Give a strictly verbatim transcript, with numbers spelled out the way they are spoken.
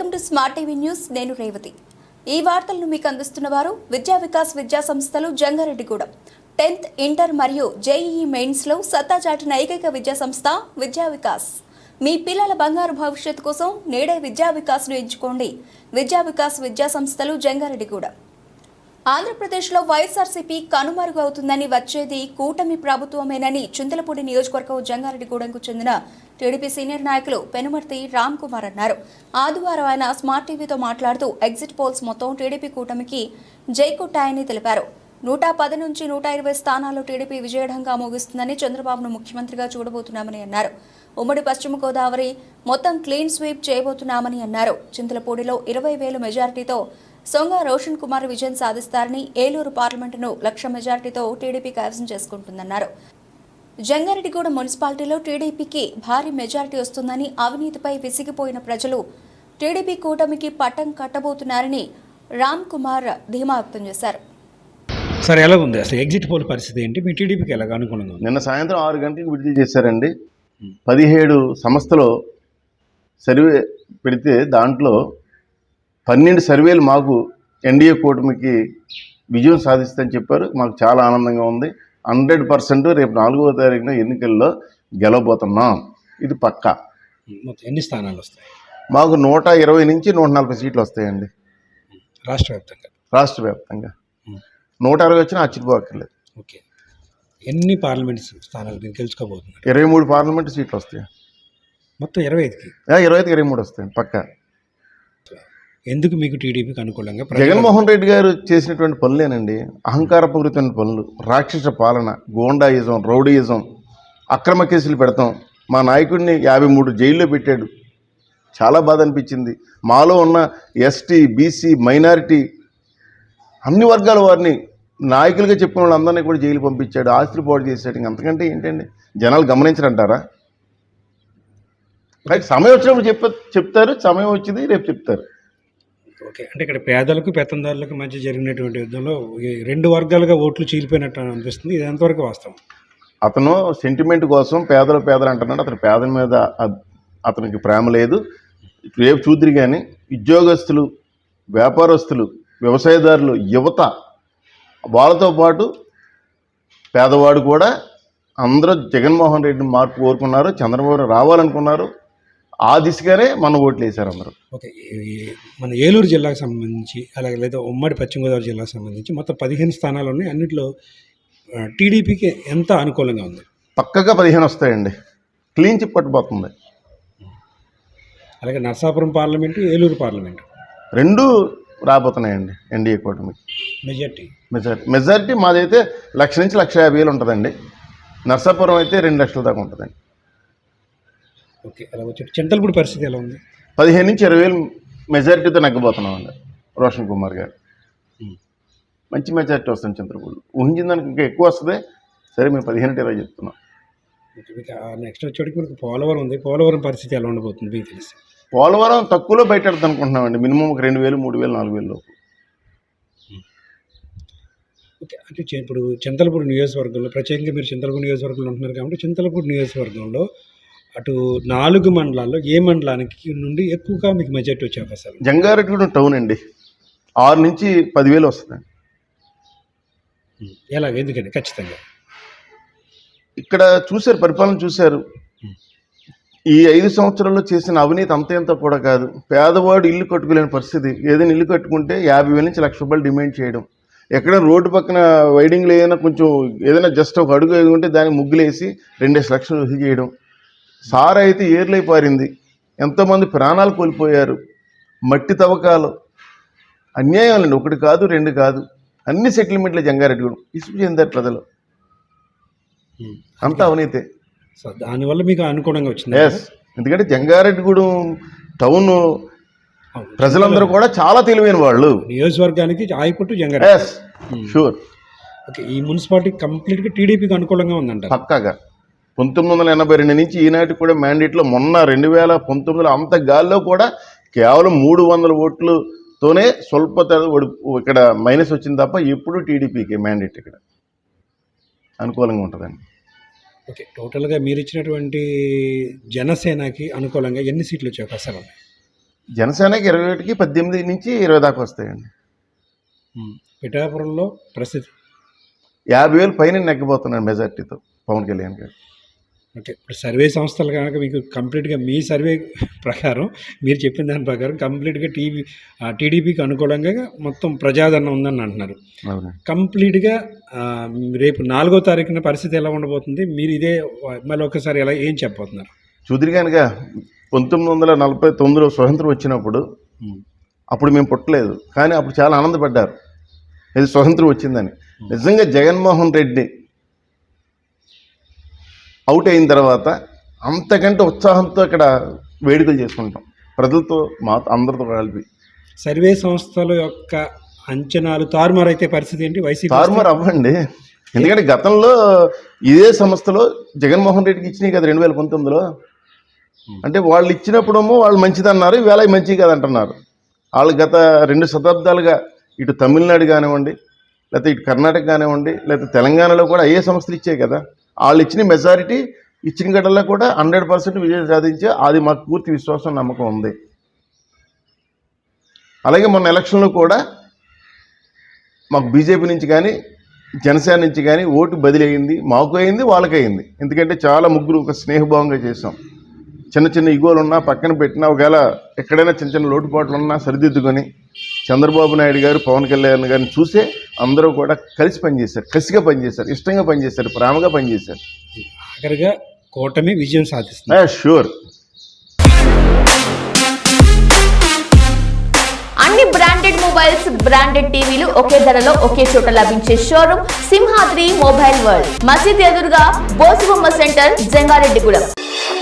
Welcome to smart TV news. నేను రేవతి. ఈ వార్తలను మీకు అందిస్తున్న వారు విద్యా వికాస్ విద్యా సంస్థలు జంగారెడ్డిగూడెం. టెన్త్ ఇంటర్ మరియు జేఈఈ మెయిన్స్ లో సత్తా చాటిన ఏకైక విద్యా సంస్థ విద్యా వికాస్. మీ పిల్లల బంగారు భవిష్యత్తు కోసం నేడే విద్యా వికాస్ ను ఎంచుకోండి. విద్యా వికాస్ విద్యా సంస్థలు జంగారెడ్డిగూడెం. ఆంధ్రప్రదేశ్లో వైఎస్ఆర్సీపీ కనుమరుగు అవుతుందని వచ్చేది కూటమి ప్రభుత్వమేనని చింతలపూడి నియోజకవర్గం జంగారెడ్డిగూడెంకు చెందిన టీడీపీ సీనియర్ నాయకులు పెనుమర్తి రామ్ కుమార్ అన్నారు. ఆదివారం ఆయన స్మార్ట్ టీవీతో మాట్లాడుతూ ఎగ్జిట్ పోల్స్ మొత్తం టీడీపీ కూటమికి జై కొట్టాయని తెలిపారు. నూట పది నుంచి నూట ఇరవై స్థానాల్లో టీడీపీ విజయఢంగా ముగిస్తుందని, చంద్రబాబును ముఖ్యమంత్రిగా చూడబోతున్నామని అన్నారు. ఉమ్మడి పశ్చిమ గోదావరి మొత్తం క్లీన్ స్వీప్ చేయబోతున్నామని అన్నారు. చింతలపూడిలో ఇరవై వేల మెజారిటీతో సొంగ రోషన్ కుమార్ విజయం సాధిస్తారని, ఏలూరు పార్లమెంటును లక్ష మెజారిటీతో టీడీపీ కైవసం చేసుకుంటుందన్నారు. జంగారెడ్డిగూడెం మున్సిపాలిటీలో టీడీపీకి భారీ మెజారిటీ వస్తుందని, అవినీతిపై విసిగిపోయిన ప్రజలు టీడీపీ కూటమికి పట్టం కట్టబోతున్నారని రామ్ కుమార్ ధీమా వ్యక్తం చేశారు. సార్, ఎలా ఉంది అసలు ఎగ్జిట్ పోల్ పరిస్థితి ఏంటి? మీ టీడీపీకి ఎలాగ అనుకూలంగా ఉంది? నిన్న సాయంత్రం ఆరు గంటలకు విడుదల చేశారండి. పదిహేడు సంస్థలు సర్వే పెడితే దాంట్లో పన్నెండు సర్వేలు మాకు ఎన్డీఏ కూటమికి విజయం సాధిస్తుందని చెప్పారు. మాకు చాలా ఆనందంగా ఉంది. హండ్రెడ్ పర్సెంట్ రేపు నాలుగవ తారీఖున ఎన్నికల్లో గెలవబోతున్నాం. ఇది పక్కా. మొత్తం ఎన్ని స్థానాలు వస్తాయి? మాకు నూట ఇరవై నుంచి నూట నలభై సీట్లు వస్తాయండి రాష్ట్ర వ్యాప్తంగా. రాష్ట్ర వ్యాప్తంగా నూట అరవై వచ్చినా ఆశ్చర్యపోక్కర్లేదు. ఓకే, ఎన్ని పార్లమెంట్ స్థానాలు మీరు గెలుచుకోబోతున్నారు? ఇరవై మూడు పార్లమెంట్ సీట్లు వస్తాయి. మొత్తం ఇరవై ఐదుకి ఇరవై ఐదుకి ఇరవై మూడు వస్తాయండి పక్కా. ఎందుకు మీకు టీడీపీకి అనుకూలంగా? జగన్మోహన్ రెడ్డి గారు చేసినటువంటి పనులేనండి. అహంకారపూరితమైన పనులు, రాక్షస పాలన, గోండాయిజం, రౌడీయిజం, అక్రమ కేసులు పెడతాం. మా నాయకుడిని యాభై మూడు జైల్లో పెట్టాడు. చాలా బాధ అనిపించింది. మాలో ఉన్న ఎస్టీ, బీసీ, మైనారిటీ అన్ని వర్గాల వారిని నాయకులుగా చెప్పిన వాళ్ళందరినీ కూడా జైలు పంపించాడు. ఆస్తులు పాడు చేశాడు. ఇంక అంతకంటే ఏంటండి? జనాలు గమనించరంటారా? రైట్, సమయం వచ్చినప్పుడు చెప్ప చెప్తారు సమయం వచ్చింది రేపు చెప్తారు. ఓకే, అంటే ఇక్కడ పేదలకు పెత్తందారులకు మధ్య జరిగినటువంటి యుద్ధంలో రెండు వర్గాలుగా ఓట్లు చీలిపోయినట్టు అనిపిస్తుంది. ఇది ఎంతవరకు వాస్తవం? అతను సెంటిమెంట్ కోసం పేదలు పేదలు అంటున్నాడు. అతని పేదల మీద అతనికి ప్రేమ లేదు. రేపు చూద్దరు కానీ ఉద్యోగస్తులు, వ్యాపారస్తులు, వ్యవసాయదారులు, యువత, వాళ్ళతో పాటు పేదవాడు కూడా అందరూ జగన్మోహన్ రెడ్డిని మార్పు కోరుకున్నారు. చంద్రబాబు రావాలనుకున్నారు. ఆ దిశగానే మన ఓట్లు వేశారు అందరూ. ఓకే, మన ఏలూరు జిల్లాకు సంబంధించి అలాగే లేదా ఉమ్మడి పశ్చిమ గోదావరి జిల్లాకు సంబంధించి మొత్తం పదిహేను స్థానాలు ఉన్నాయి. అన్నింటిలో టీడీపీకి ఎంత అనుకూలంగా ఉంది? పక్కగా పదిహేను వస్తాయండి. క్లీన్ చిప్ పట్టుపోతుంది. అలాగే నర్సాపురం పార్లమెంటు, ఏలూరు పార్లమెంటు రెండు రాబోతున్నాయండి ఎన్డీఏ కూటమికి. మెజార్టీ మెజారిటీ మెజారిటీ మాదైతే లక్ష నుంచి లక్ష యాభై వేలు ఉంటుందండి. నర్సాపురం అయితే రెండు లక్షల దాకా ఉంటుందండి. ఓకే, అలా వచ్చి చింతలపూడి పరిస్థితి ఎలా ఉంది? పదిహేను నుంచి ఇరవై వేలు మెజారిటీతో నెగ్గబోతున్నామండి. రోషన్ కుమార్ గారు మంచి మెజారిటీ వస్తుంది. చింతలపూడి ఊహించిన దానికి ఇంకా ఎక్కువ వస్తుంది. సరే, మేము పదిహేను ఇరవై చెప్తున్నాం. నెక్స్ట్ వచ్చేటికి మనకు పోలవరం ఉంది. పోలవరం పరిస్థితి ఎలా ఉండబోతుంది మీకు తెలిసి? పోలవరం తక్కువలో బయటెడతా అనుకుంటున్నామండి. మినిమం ఒక రెండు వేలు మూడు వేలు నాలుగు వేలు లోపు. ఓకే, అంటే ఇప్పుడు చింతలపూడి నియోజకవర్గంలో ప్రత్యేకంగా మీరు చింతలపూడి నియోజకవర్గంలో ఉంటున్నారు కాబట్టి చింతలపూడి నియోజకవర్గంలో అటు నాలుగు మండలాల్లో ఏ మండలానికి నుండి ఎక్కువగా మీకు మెజార్టీ వచ్చే అవకాశాలు? జంగారెడ్డిగూడెం టౌన్ అండి. ఆరు నుంచి పదివేలు వస్తుందండి. ఎలాగ? ఎందుకని? ఖచ్చితంగా ఇక్కడ చూశారు, పరిపాలన చూశారు. ఈ ఐదు సంవత్సరాల్లో చేసిన అవినీతి అంత ఎంత కూడా కాదు. పేదవాడు ఇల్లు కట్టుకోలేని పరిస్థితి. ఏదైనా ఇల్లు కట్టుకుంటే యాభై వేల నుంచి లక్ష రూపాయలు డిమాండ్ చేయడం. ఎక్కడ రోడ్డు పక్కన వైడింగ్లు ఏదైనా కొంచెం ఏదైనా జస్ట్ ఒక అడుగు ఉంటే దానికి ముగ్గులేసి రెండేసి లక్షలు వసూలు చేయడం. సారా అయితే ఏర్లై పారింది. ఎంతోమంది ప్రాణాలు కోల్పోయారు. మట్టి తవ్వకాలు, అన్యాయాలండి. ఒకటి కాదు రెండు కాదు, అన్ని సెటిల్మెంట్లే జంగారెడ్డిగూడెం. ఇసుకు చెందారు ప్రజలు. అంతా అవినీతే. సో దానివల్ల మీకు అనుకూలంగా వచ్చింది. ఎస్, ఎందుకంటే జంగారెడ్డిగూడెం టౌన్ ప్రజలందరూ కూడా చాలా తెలివైన వాళ్ళు. నియోజకవర్గానికి ఆయపుట్టు జంగారెడ్డి. Yes, sure. ఓకే, ఈ మున్సిపాలిటీ కంప్లీట్గా టీడీపీకి అనుకూలంగా ఉందంట. పక్కాగా. పంతొమ్మిది వందల ఎనభై రెండు నుంచి ఈనాటికి కూడా మ్యాండేట్లో మొన్న రెండు వేల పంతొమ్మిదిలో అంత గాల్లో కూడా కేవలం మూడు వందల ఓట్లతోనే స్వల్ప ఇక్కడ మైనస్ వచ్చింది తప్ప ఎప్పుడు టీడీపీకి మ్యాండేట్ ఇక్కడ అనుకూలంగా ఉంటుందండి. ఓకే, టోటల్గా మీరు ఇచ్చినటువంటి జనసేనకి అనుకూలంగా ఎన్ని సీట్లు వచ్చే అవకాశాలు ఉన్నాయి? జనసేనకి ఇరవై ఒకటికి పద్దెనిమిది నుంచి ఇరవై దాకా వస్తాయండి. ఉమ్. పిఠాపురంలో ప్రసిద్ధి యాభై వేలు పైన నెగ్గబోతున్నాడు మెజార్టీతో పవన్ కళ్యాణ్ గారు. ఓకే. ఇప్పుడు సర్వే సంస్థలు కనుక మీకు కంప్లీట్గా మీ సర్వే ప్రకారం మీరు చెప్పిన దాని ప్రకారం కంప్లీట్గా టీవీ టీడీపీకి అనుకూలంగా మొత్తం ప్రజాదరణ ఉందని అంటున్నారు. అవునండి. కంప్లీట్గా ఆ, రేపు నాలుగో తారీఖున పరిస్థితి ఎలా ఉండబోతుంది? మీరు ఇదే మళ్ళీ ఒకసారి ఎలా ఏం చెప్పబోతున్నారు? చూదిరి కనుక పంతొమ్మిది వందల నలభై తొమ్మిదిలో స్వతంత్రం వచ్చినప్పుడు ఉమ్. అప్పుడు మేము పుట్టలేదు, కానీ అప్పుడు చాలా ఆనందపడ్డారు ఇది స్వతంత్రం వచ్చిందని. నిజంగా జగన్మోహన్ రెడ్డి అవుట్ అయిన తర్వాత అంతకంటే ఉత్సాహంతో ఇక్కడ వేడుకలు చేసుకుంటాం ప్రజలతో మా అందరితో కలిపి. సర్వే సంస్థల యొక్క అంచనాలు తారుమారు అయితే పరిస్థితి ఏంటి? వైసీపీ తారుమారు అవ్వండి, ఎందుకంటే గతంలో ఇదే సంస్థలో జగన్మోహన్ రెడ్డికి ఇచ్చినాయి కదా రెండు వేల పంతొమ్మిదిలో. అంటే వాళ్ళు ఇచ్చినప్పుడేమో వాళ్ళు మంచిదన్నారు, ఈవేళ మంచిది కాదంటున్నారు. వాళ్ళు గత రెండు శతాబ్దాలుగా ఇటు తమిళనాడు కానివ్వండి, లేకపోతే ఇటు కర్ణాటక కానివ్వండి, లేకపోతే తెలంగాణలో కూడా ఏ సంస్థలు ఇచ్చాయి కదా. వాళ్ళు ఇచ్చిన మెజారిటీ ఇచ్చిన గడల్లో కూడా హండ్రెడ్ పర్సెంట్ విజయం సాధించే అది మాకు పూర్తి విశ్వాసం నమ్మకం ఉంది. అలాగే మొన్న ఎలక్షన్లో కూడా మాకు బీజేపీ నుంచి కానీ జనసేన నుంచి కానీ ఓటు బదిలీ అయింది, మాకు అయింది, వాళ్ళకి అయింది. ఎందుకంటే చాలా ముగ్గురు ఒక స్నేహభావంగా చేసాం. చిన్న చిన్న ఇగోలు ఉన్నా పక్కన పెట్టినా, ఒకవేళ ఎక్కడైనా చిన్న చిన్న లోటుపాట్లు ఉన్నా సరిదిద్దుకొని చంద్రబాబు నాయుడు గారు పవన్ కళ్యాణ్ గారిని చూసే అందరూ కూడా కలిసి పనిచేశారు, కసిగా పనిచేశారు, ఇష్టంగా పనిచేశారు, ప్రేమగా పనిచేశారు. ఆఖరిగా కూటమి విజయం సాధిస్తుంది. షూర్. అన్ని బ్రాండెడ్ మొబైల్స్, బ్రాండెడ్ టీవీలు ఒకే ధరలో ఒకే చోట లభించే షోరూమ్ సింహాద్రి మొబైల్ వరల్డ్. మసీద్ ఎదురుగా బోసుబొమ్మ సెంటర్, జంగారెడ్డిగూడెం.